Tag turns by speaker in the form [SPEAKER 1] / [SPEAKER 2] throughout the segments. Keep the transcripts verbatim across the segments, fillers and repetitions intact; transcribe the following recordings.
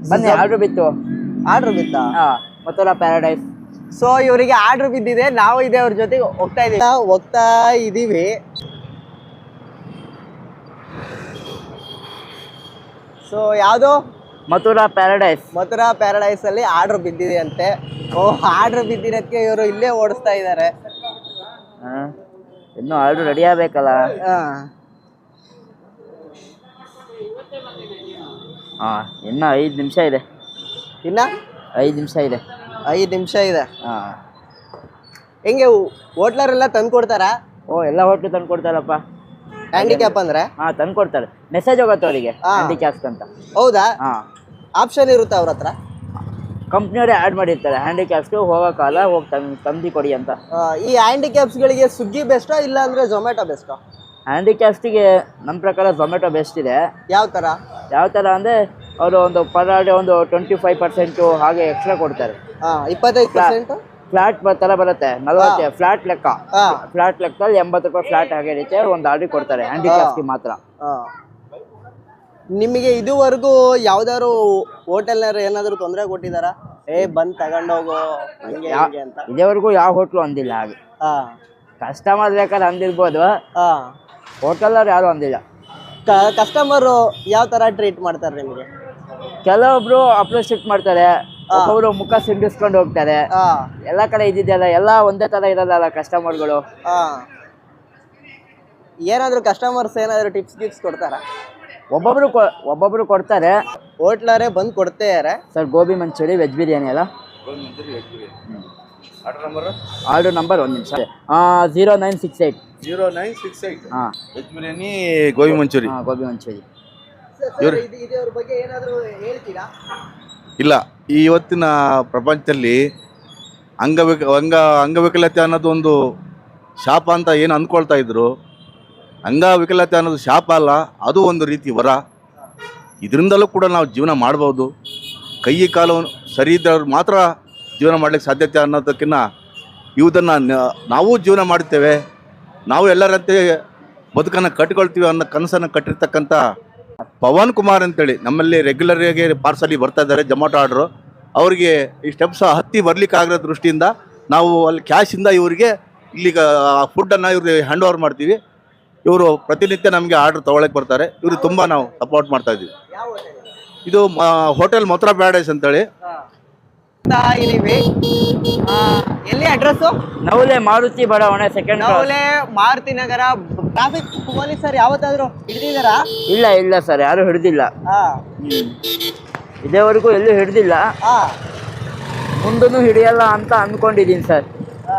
[SPEAKER 1] ಬನ್ನಿ ಆರ್ಡರ್ ಬಿತ್ತು
[SPEAKER 2] ಆರ್ಡರ್ ಬಿತ್ತಾ
[SPEAKER 1] ಹಾ ಮಥುರಾ ಪ್ಯಾರಡೈಸ್.
[SPEAKER 2] ಸೊ ಇವರಿಗೆ ಆರ್ಡರ್ ಬಿದ್ದಿದೆ, ನಾವು ಇದೆ ಅವ್ರ ಜೊತೆಗೆ ಹೋಗ್ತಾ ಇದೀವಿ ಹೋಗ್ತಾ ಇದೀವಿ ಸೊ ಯಾವುದು
[SPEAKER 1] ಮಥುರಾ ಪ್ಯಾರಡೈಸ್.
[SPEAKER 2] ಮಥುರಾ ಪ್ಯಾರಡೈಸ್ ಅಲ್ಲಿ ಆರ್ಡರ್ ಬಿದ್ದಿದೆ ಅಂತೆ. ಓ ಆರ್ಡರ್ ಬಿದ್ದಿರೋದಕ್ಕೆ ಇವರು ಇಲ್ಲೇ ಓಡಿಸ್ತಾ ಇದ್ದಾರೆ.
[SPEAKER 1] ಇನ್ನು ಆರ್ಡರ್ ರೆಡಿ ಆಗ್ಬೇಕಲ್ಲ. ಹಾ ಇನ್ನು ಐದು ನಿಮಿಷ ಇದೆ.
[SPEAKER 2] ಇನ್ನ
[SPEAKER 1] ಐದು ನಿಮಿಷ ಇದೆ.
[SPEAKER 2] ಐದು ನಿಮಿಷ ಇದೆ.
[SPEAKER 1] ಹಾ
[SPEAKER 2] ಹೆಂಗೆ ಹೋಟ್ಲರೆಲ್ಲ ತಂದು ಕೊಡ್ತಾರಾ?
[SPEAKER 1] ಓ ಎಲ್ಲ ಹೋಟ್ಲು ತಂದು ಕೊಡ್ತಾರಪ್ಪ.
[SPEAKER 2] ಹ್ಯಾಂಡಿಕ್ಯಾಪ್ ಅಂದ್ರೆ
[SPEAKER 1] ಹಾ ತಂದು ಕೊಡ್ತಾರೆ. ಮೆಸೇಜ್ ಹೋಗುತ್ತೆ ಅವರಿಗೆ ಹ್ಯಾಂಡಿಕ್ಯಾಪ್ಸ್ ಅಂತ.
[SPEAKER 2] ಹೌದಾ?
[SPEAKER 1] ಹಾ
[SPEAKER 2] ಆಪ್ಷನ್ ಇರುತ್ತೆ ಅವ್ರ ಹತ್ರ.
[SPEAKER 1] ಕಂಪ್ನಿಯವರೇ ಆ್ಯಡ್ ಮಾಡಿರ್ತಾರೆ ಹ್ಯಾಂಡಿಕ್ಯಾಪ್ಸ್ಗೆ ಹೋಗೋಕ್ಕಲ್ಲ ಹೋಗಿ ತಂದು ತಂದು ಕೊಡಿ ಅಂತ.
[SPEAKER 2] ಈ ಹ್ಯಾಂಡಿಕ್ಯಾಪ್ಸ್ಗಳಿಗೆ ಸ್ವಿಗ್ಗಿ ಬೆಸ್ಟಾ ಇಲ್ಲ ಅಂದರೆ ಝೊಮ್ಯಾಟೊ ಬೆಸ್ಟಾ?
[SPEAKER 1] ಹ್ಯಾಂಡಿಕ್ಯಾಪ್ಸ್ಗೆ ನಮ್ಮ ಪ್ರಕಾರ ಝೊಮ್ಯಾಟೊ ಬೆಸ್ಟ್ ಇದೆ.
[SPEAKER 2] ಯಾವ ಥರ
[SPEAKER 1] ಯಾವ ಥರ ಅಂದರೆ ಅವರು ಒಂದು ಪರ್ ಡೇ ಒಂದು ಟ್ವೆಂಟಿ ಫೈವ್ ಪರ್ಸೆಂಟು ಹಾಗೆ ಎಕ್ಸ್ಟ್ರಾ ಕೊಡ್ತಾರೆ.
[SPEAKER 2] ಹಾಂ ಇಪ್ಪತ್ತೈದು ಪರ್ಸೆಂಟು
[SPEAKER 1] ಫ್ಲಾಟ್ ಥರ ಬರುತ್ತೆ. ನಲ್ವತ್ತು ಫ್ಲಾಟ್ ಲೆಕ್ಕ. ಫ್ಲಾಟ್ ಲೆಕ್ಕದಲ್ಲಿ ಎಂಬತ್ತು ರೂಪಾಯಿ ಫ್ಲಾಟ್ ಹಾಗೆ ಇರುತ್ತೆ. ಒಂದು ಆರ್ಡ್ರ್ ಕೊಡ್ತಾರೆ ಹ್ಯಾಂಡಿಕ್ಯಾಪ್ಸ್ಗೆ ಮಾತ್ರ.
[SPEAKER 2] ನಿಮಗೆ ಇದುವರೆಗೂ ಯಾವ್ದಾದ್ರು ಹೋಟೆಲ್ನಾರು ಏನಾದರೂ ತೊಂದರೆ ಕೊಟ್ಟಿದ್ದಾರಾ? ಏ ಬಂದು ತಗೊಂಡೋಗು ಹಂಗೆ ಹಂಗೆ ಅಂತ?
[SPEAKER 1] ಇದೇವರೆಗೂ ಯಾವ ಹೋಟ್ಲು ಅಂದಿಲ್ಲ ಹಾಗೆ.
[SPEAKER 2] ಹಾಂ
[SPEAKER 1] ಕಸ್ಟಮರ್ ಬೇಕಾದ್ರೆ ಅಂದಿರ್ಬೋದು.
[SPEAKER 2] ಹಾಂ
[SPEAKER 1] ಹೋಟೆಲ್ನವ್ರು ಯಾರು ಅಂದಿಲ್ಲ.
[SPEAKER 2] ಕಸ್ಟಮರು ಯಾವ ಥರ ಟ್ರೀಟ್ ಮಾಡ್ತಾರೆ ನಿಮಗೆ?
[SPEAKER 1] ಕೆಲವೊಬ್ರು ಅಪ್ರಿಷಿಯೇಟ್ ಮಾಡ್ತಾರೆ, ಒಬ್ಬೊಬ್ರು ಮುಖ ಸಿಂಡಿಸ್ಕೊಂಡು ಹೋಗ್ತಾರೆ. ಎಲ್ಲ ಕಡೆ ಇದ್ದಿದ್ದೆಲ್ಲ ಎಲ್ಲ ಒಂದೇ ಥರ ಇರೋದಲ್ಲ ಕಸ್ಟಮರ್ಗಳು.
[SPEAKER 2] ಹಾಂ ಏನಾದರೂ ಕಸ್ಟಮರ್ಸ್ ಏನಾದರೂ ಟಿಪ್ಸ್ ಗಿಪ್ಸ್ ಕೊಡ್ತಾರಾ?
[SPEAKER 1] ಒಬ್ಬೊಬ್ರು ಒಬ್ಬೊಬ್ರು ಕೊಡ್ತಾರೆ.
[SPEAKER 2] ಹೋಟ್ಲರೇ ಬಂದು ಕೊಡ್ತಾರೆ.
[SPEAKER 1] ಸರ್ ಗೋಬಿ ಮಂಚೂರಿ ವೆಜ್ ಬಿರಿಯಾನಿ ಅಲ್ಲ? ಆರ್ಡರ್ ನಂಬರ್ ಒಂದು ನಿಮಿಷ. Zero nine six eight
[SPEAKER 3] zero nine six eight
[SPEAKER 1] ಹಾಂ
[SPEAKER 3] ವೆಜ್ ಬಿರಿಯಾನಿ ಗೋಬಿ ಮಂಚೂರಿ.
[SPEAKER 1] ಹಾಂ ಗೋಬಿ ಮಂಚೂರಿ.
[SPEAKER 2] ಇದ್ರ ಬಗ್ಗೆ ಏನಾದರೂ ಹೇಳ್ತೀರಾ?
[SPEAKER 3] ಇಲ್ಲ, ಈ ಇವತ್ತಿನ ಪ್ರಪಂಚದಲ್ಲಿ ಅಂಗವಿಕ ಅಂಗ ಅಂಗವಿಕಲತೆ ಅನ್ನೋದು ಒಂದು ಶಾಪ ಅಂತ ಏನು ಅಂದ್ಕೊಳ್ತಾ ಇದ್ರು. ಅಂಗವಿಕಲತೆ ಅನ್ನೋದು ಶಾಪ ಅಲ್ಲ, ಅದು ಒಂದು ರೀತಿ ವರ. ಇದರಿಂದಲೂ ಕೂಡ ನಾವು ಜೀವನ ಮಾಡ್ಬೋದು. ಕೈ ಕಾಲು ಸರಿ ಇದ್ದವ್ರು ಮಾತ್ರ ಜೀವನ ಮಾಡ್ಲಿಕ್ಕೆ ಸಾಧ್ಯತೆ ಅನ್ನೋದಕ್ಕಿಂತ ಇವುದನ್ನು ನಾವು ಜೀವನ ಮಾಡ್ತೇವೆ, ನಾವು ಎಲ್ಲರಂತೆ ಬದುಕನ್ನು ಕಟ್ಕೊಳ್ತೀವಿ ಅನ್ನೋ ಕನಸನ್ನು ಕಟ್ಟಿರ್ತಕ್ಕಂಥ ಪವನ್ ಕುಮಾರ್ ಅಂತೇಳಿ ನಮ್ಮಲ್ಲಿ ರೆಗ್ಯುಲರಾಗಿ ಪಾರ್ಸಲಿ ಬರ್ತಾ ಇದ್ದಾರೆ ಜೊಮ್ಯಾಟೊ ಆರ್ಡ್ರು. ಅವರಿಗೆ ಈ ಸ್ಟೆಪ್ಸ್ ಹತ್ತಿ ಬರ್ಲಿಕ್ಕೆ ಆಗಿರೋ ದೃಷ್ಟಿಯಿಂದ ನಾವು ಅಲ್ಲಿ ಕ್ಯಾಶಿಂದ ಇವರಿಗೆ ಇಲ್ಲಿಗ ಫುಡ್ಡನ್ನು ಇವ್ರಿಗೆ ಹ್ಯಾಂಡ್ ಓವರ್ ಮಾಡ್ತೀವಿ. ಇವರು ಪ್ರತಿನಿತ್ಯ ನಮಗೆ ಆರ್ಡರ್ ತೊಗೊಳಕ್ಕೆ ಬರ್ತಾರೆ. ಇವರು ತುಂಬ ನಾವು ಸಪೋರ್ಟ್ ಮಾಡ್ತಾ ಇದ್ದೀವಿ. ಇದು ಹೋಟೆಲ್ ಮಥುರಾ ಪ್ಯಾರಡೈಸ್ ಅಂತೇಳಿ.
[SPEAKER 2] ಎಲ್ಲಿ ಅಡ್ರೆಸ್ಸು?
[SPEAKER 1] ನವಲೆ ಮಾರುತಿ ಬಡಾವಣೆ ಸೆಕೆಂಡ್.
[SPEAKER 2] ನವಲೆ ಮಾರುತಿ ನಗರ. ಟ್ರಾಫಿಕ್ ಪೊಲೀಸರು ಯಾವತ್ತಾದ್ರೂ ಹಿಡಿದಿದ್ದಾರಾ?
[SPEAKER 1] ಇಲ್ಲ ಇಲ್ಲ ಸರ್, ಯಾರು ಹಿಡಿದಿಲ್ಲ. ಇದೇವರೆಗೂ ಎಲ್ಲೂ ಹಿಡಿದಿಲ್ಲ. ಮುಂದೂ ಹಿಡಿಯಲ್ಲ ಅಂತ ಅಂದ್ಕೊಂಡಿದ್ದೀನಿ ಸರ್.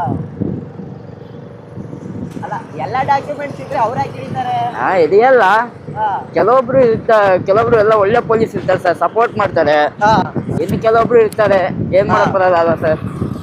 [SPEAKER 2] ಅಲ್ಲ ಎಲ್ಲ ಡಾಕ್ಯುಮೆಂಟ್ಸ್ ಇದ್ರೆ ಅವ್ರು ಯಾಕೆ ಹಿಡಿತಾರೆ?
[SPEAKER 1] ಹಾಂ ಹಿಡಿಯಲ್ಲ. ಕೆಲವೊಬ್ರು ಇರ್ತಾರೆ, ಕೆಲವೊಬ್ರು ಎಲ್ಲ ಒಳ್ಳೆ ಪೊಲೀಸ್ ಇರ್ತಾರೆ ಸರ್, ಸಪೋರ್ಟ್ ಮಾಡ್ತಾರೆ. ಇನ್ನು ಕೆಲವೊಬ್ರು ಇರ್ತಾರೆ, ಏನ್ ಮಾಡಕ್ ಬರಲ್ಲ ಸರ್.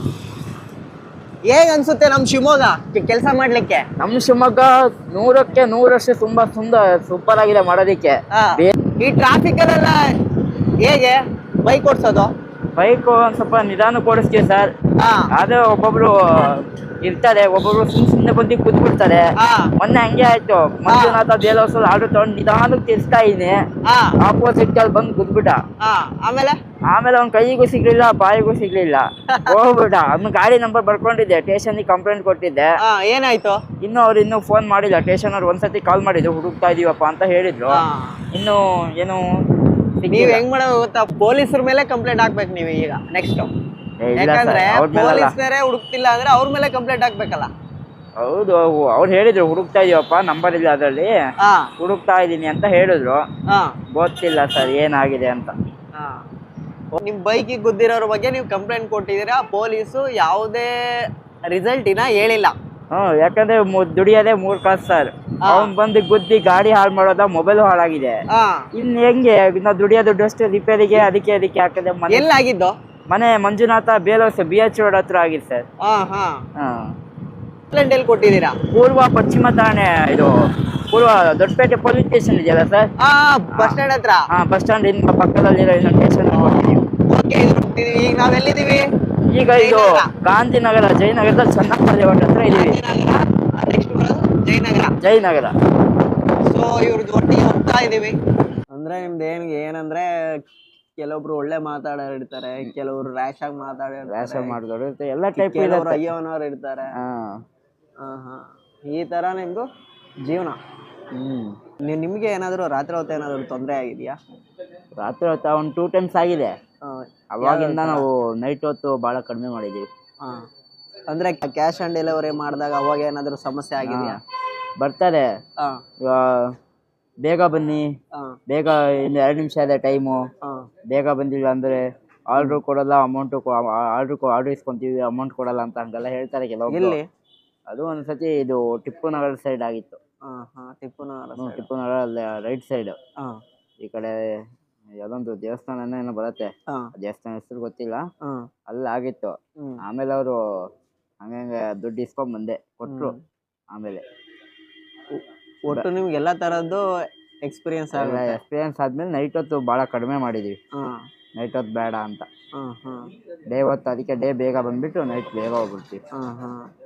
[SPEAKER 2] ಹೇಗ್ ಅನ್ಸುತ್ತೆ ನಮ್ ಶಿವಮೊಗ್ಗ ಕೆಲಸ ಮಾಡ್ಲಿಕ್ಕೆ?
[SPEAKER 1] ನಮ್ ಶಿವಮೊಗ್ಗ ನೂರಕ್ಕೆ ನೂರಷ್ಟು ತುಂಬಾ ಸುಂದರ ಸೂಪರ್ ಆಗಿದೆ ಮಾಡೋದಿಕ್ಕೆ.
[SPEAKER 2] ಈ ಟ್ರಾಫಿಕ್ ಅಲ್ಲೆಲ್ಲ ಹೇಗೆ ಬೈಕ್ ಓಡಿಸೋದು?
[SPEAKER 1] ಬೈಕ್ ಒಂದ್ ಸ್ವಲ್ಪ ನಿಧಾನ ಓಡಿಸ್ತೀವಿ ಸರ್. ಆದ್ರೆ ಒಬ್ಬೊಬ್ರು ಇರ್ತಾರೆ, ಒಬ್ಬೊಬ್ರು ಸುಮ್ ಸುಮ್ನೆ ಬಂದು ಕೂತ್ಬಿಡ್ತಾರೆ. ಮೊನ್ನೆ ಹಂಗೆ ಆಯ್ತು, ಮಂಜುನಾಥ ದೇವಸ್ಥಾನ ಆರ್ಡರ್ ತಗೊಂಡು ನಿಧಾನಕ್ಕೆ ತಿರ್ಸ್ತಾ ಇದೀನಿ, ಆಪೋಸಿಟ್ ಅಲ್ಲಿ ಬಂದು ಕೂತ್ಬಿಟ್ಟ.
[SPEAKER 2] ಆಮೇಲೆ
[SPEAKER 1] ಆಮೇಲೆ ಅವ್ನ ಕೈಗೂ ಸಿಗ್ಲಿಲ್ಲ, ಬಾಯಿಗೂ ಸಿಗ್ಲಿಲ್ಲ, ಹೋಗ್ಬಿಟ್ಟ. ಅವ್ನ ಗಾಡಿ ನಂಬರ್ ಬರ್ಕೊಂಡಿದ್ದೆ, ಸ್ಟೇಷನ್ ಕಂಪ್ಲೇಂಟ್ ಕೊಟ್ಟಿದ್ದೆ.
[SPEAKER 2] ಏನಾಯ್ತು?
[SPEAKER 1] ಇನ್ನು ಅವ್ರು ಇನ್ನೂ ಫೋನ್ ಮಾಡಿಲ್ಲ. ಸ್ಟೇಷನ್ ಅವ್ರು ಒಂದ್ಸತಿ ಕಾಲ್ ಮಾಡಿದ್ರು, ಹುಡುಕ್ತಾ ಇದೀವಪ್ಪ ಅಂತ ಹೇಳಿದ್ರು. ಇನ್ನು ಏನು
[SPEAKER 2] ನೀವ್ ಹೆಂಗ್ ಮಾಡೋದು ಗೊತ್ತಾ? ಪೊಲೀಸರ ಮೇಲೆ ಕಂಪ್ಲೇಂಟ್ ಹಾಕ್ಬೇಕು ನೀವು ಈಗ ನೆಕ್ಸ್ಟ್. ಯಾಕಂದ್ರೆ ಪೊಲೀಸರೇ ಹುಡುಕ್ತಿಲ್ಲ ಅಂದ್ರೆ ಅವ್ರ ಮೇಲೆ ಕಂಪ್ಲೇಂಟ್ ಹಾಕ್ಬೇಕಲ್ಲ.
[SPEAKER 1] ಹೌದು, ಅವ್ರು ಹೇಳಿದ್ರು ಹುಡುಕ್ತಾ ಇದೀವಪ್ಪ, ನಂಬರ್ ಇಲ್ಲ ಅದ್ರಲ್ಲಿ, ಹುಡುಕ್ತಾ ಇದೀನಿ ಅಂತ ಹೇಳಿದ್ರು. ಗೊತ್ತಿಲ್ಲ ಸರ್ ಏನಾಗಿದೆ ಅಂತ.
[SPEAKER 2] ನಿಮ್ ಬೈಕಿಗೆ ಗುದ್ದಿರೋರ ಬಗ್ಗೆ ನೀವು ಕಂಪ್ಲೇಂಟ್ ಕೊಟ್ಟಿದ್ದೀರಾ, ಪೊಲೀಸು ಯಾವುದೇ ರಿಸಲ್ಟ್ ಇನ್ನ ಹೇಳಿಲ್ಲ.
[SPEAKER 1] ಹ್ಮ್ ಯಾಕಂದ್ರೆ ದುಡಿಯೋದೇ ಮೂರ್ ಕಾಸು ಸರ್. ಅವ್ನ್ ಬಂದು ಗುದ್ದಿ ಗಾಡಿ ಹಾಳು ಮಾಡೋದ, ಮೊಬೈಲ್ ಹಾಳಾಗಿದೆ. ಇನ್ ಹೆಂಗೆ ನಾವು ದುಡಿಯೋ ದುಡ್ಡು ಅಷ್ಟು ರಿಪೇರಿಗೆ ಅದಕ್ಕೆ ಅದಕ್ಕೆ ಹಾಕದೆ.
[SPEAKER 2] ಎಲ್ಲಾಗಿದ್ದು?
[SPEAKER 1] ಮನೆ ಮಂಜುನಾಥ ಬೇಲೋಸ್ ಬಿ ಎಚ್ ರೋಡ್ ಹತ್ರ ಆಗಿದೆ ಸರ್.
[SPEAKER 2] ಎಲ್ಲಿ ಕೊಟ್ಟಿದ್ದೀರಾ?
[SPEAKER 1] ಪೂರ್ವ ಪಶ್ಚಿಮ ಠಾಣೆ, ಇದು ಪೂರ್ವ ದೊಡ್ಡಪೇಟೆ ಪೊಲೀಸ್ ಸ್ಟೇಷನ್ ಇದೆಯಲ್ಲ ಸರ್,
[SPEAKER 2] ಬಸ್ ಸ್ಟ್ಯಾಂಡ್ ಹತ್ರ.
[SPEAKER 1] ಹಾ ಬಸ್ ಸ್ಟ್ಯಾಂಡ್ ಇನ್ ಪಕ್ಕದಲ್ಲಿರೋ ಇನ್ನೊಂದು ಸ್ಟೇಷನ್ ಕೊಟ್ಟಿದ್ದೀವಿ.
[SPEAKER 2] ಈಗ ನಾವೆಲ್ಲಿದ್ದೀವಿ?
[SPEAKER 1] ಈಗ ಇದು ಗಾಂಧಿನಗರ ಜಯನಗರದಲ್ಲಿ ಚೆನ್ನಪ್ಪ ಲೇಔಟ್ ಹತ್ರ ಇದೀವಿ.
[SPEAKER 2] ಜಯನಗರ
[SPEAKER 1] ಜಯನಗರ.
[SPEAKER 2] ಸೊ ಇವ್ರದ್ದು ಒಟ್ಟಿಗೆ ಹೋಗ್ತಾ ಇದೀವಿ. ಅಂದ್ರೆ ನಿಮ್ದು ಏನ್ ಏನಂದ್ರೆ ಕೆಲವೊಬ್ರು ಒಳ್ಳೆ ಮಾತಾಡೋರು ಇರ್ತಾರೆ, ಕೆಲವರು ರ್ಯಾಶ್ ಆಗಿ ಮಾತಾಡೋರು
[SPEAKER 1] ವ್ಯಾಸ ಮಾಡಿದವರು ಎಲ್ಲ ಟೈಪ್
[SPEAKER 2] ಕೆಲವರು
[SPEAKER 1] ಇರುತ್ತೆ.
[SPEAKER 2] ಅಯ್ಯೋನವ್ರು ಇರ್ತಾರೆ.
[SPEAKER 1] ಹಾ
[SPEAKER 2] ಹಾ ಹಾ ಈ ತರ ನಿಮ್ದು ಜೀವನ.
[SPEAKER 1] ಹ್ಮ್
[SPEAKER 2] ನೀವು ನಿಮ್ಗೆ ಏನಾದ್ರು ರಾತ್ರಿ ಹೊತ್ತು ಏನಾದ್ರು ತೊಂದರೆ ಆಗಿದೆಯಾ?
[SPEAKER 1] ರಾತ್ರಿ ಹೊತ್ತು ಒಂದು ಟೂ ಟೈಮ್ಸ್ ಆಗಿದೆ.
[SPEAKER 2] ಆ,
[SPEAKER 1] ಅವಾಗಿಂದ ನಾವು ನೈಟ್ ಹೊತ್ತು ಬಹಳ ಕಡಿಮೆ ಮಾಡಿದೀವಿ.
[SPEAKER 2] ಆ. ಅಂದ್ರೆ ಕ್ಯಾಶ್ ಆನ್ ಡೆಲಿವರಿ ಮಾಡಿದಾಗ ಅವಾಗ ಏನಾದ್ರು ಸಮಸ್ಯೆ ಆಗಿದೆಯಾ?
[SPEAKER 1] ಬರ್ತಾರೆ
[SPEAKER 2] ಹಾ
[SPEAKER 1] ಇವಾ- ಬೇಗ ಬನ್ನಿ,
[SPEAKER 2] ಹಾ
[SPEAKER 1] ಬೇಗ ಇನ್ನು ಎರಡು ನಿಮಿಷ ಇದೆ ಟೈಮು,
[SPEAKER 2] ಹಾ
[SPEAKER 1] ಬೇಗ ಬಂದಿಲ್ಲ ಅಂದ್ರೆ ಆರ್ಡ್ರು ಕೊಡಲ್ಲ, ಅಮೌಂಟು ಆರ್ಡ್ರು ಆರ್ಡ್ರ್ ಇಸ್ಕೊಂತೀವಿ, ಅಮೌಂಟ್ ಕೊಡಲ್ಲ ಅಂತ ಹಂಗೆಲ್ಲ ಹೇಳ್ತಾರೆ ಕೆಲವೊಬ್ರು.
[SPEAKER 2] ಎಲ್ಲಿ?
[SPEAKER 1] ಅದು ಒಂದ್ಸತಿ ಇದು ಟಿಪ್ಪು ನಗರ ಸೈಡ್ ಆಗಿತ್ತು.
[SPEAKER 2] ಹಾ ಹಾ ಟಿಪ್ಪುನಗರ
[SPEAKER 1] ಹ್ಮ್,
[SPEAKER 2] side.
[SPEAKER 1] Tipu Nagar right side
[SPEAKER 2] ಹಾ
[SPEAKER 1] ಈ ಕಡೆ ಯಾವ್ದೊಂದು ದೇವಸ್ಥಾನ ಏನೋ ಬರುತ್ತೆ,
[SPEAKER 2] ಹಾ
[SPEAKER 1] ಆ ದೇವಸ್ಥಾನ ಹೆಸರು ಗೊತ್ತಿಲ್ಲ,
[SPEAKER 2] ಹಾ
[SPEAKER 1] ಅಲ್ಲಿ ಆಗಿತ್ತು.
[SPEAKER 2] ಹ್ಮ್
[SPEAKER 1] ಆಮೇಲೆ ಅವರು ಹಂಗಂಗೆ ದುಡ್ಡು ಇಸ್ಕೊಂಡ್ ಬಂದೆ ಕೊಟ್ರು. ಆಮೇಲೆ
[SPEAKER 2] ಒಟ್ಟು ನಿಮ್ಗೆ ಎಲ್ಲಾ ತರದ್ದು ಎಕ್ಸ್ಪೀರಿಯನ್ಸ್ ಆಗುತ್ತೆ.
[SPEAKER 1] ಎಕ್ಸ್ಪೀರಿಯನ್ಸ್ ಆದ್ಮೇಲೆ ನೈಟ್ ಹೊತ್ತು ಭಾಳ ಕಡಿಮೆ ಮಾಡಿದೀವಿ.
[SPEAKER 2] ಹಾ
[SPEAKER 1] ನೈಟ್ ಹೊತ್ತು ಬೇಡ ಅಂತ,
[SPEAKER 2] ಹಾ ಹಾ
[SPEAKER 1] ಡೇ ಹೊತ್ತು ಅದಕ್ಕೆ ಡೇ ಬೇಗ ಬಂದ್ಬಿಟ್ಟು ನೈಟ್ ಬೇಗ ಹೋಗ್ಬಿಡ್ತೀವಿ.
[SPEAKER 2] ಹಾ ಹಾ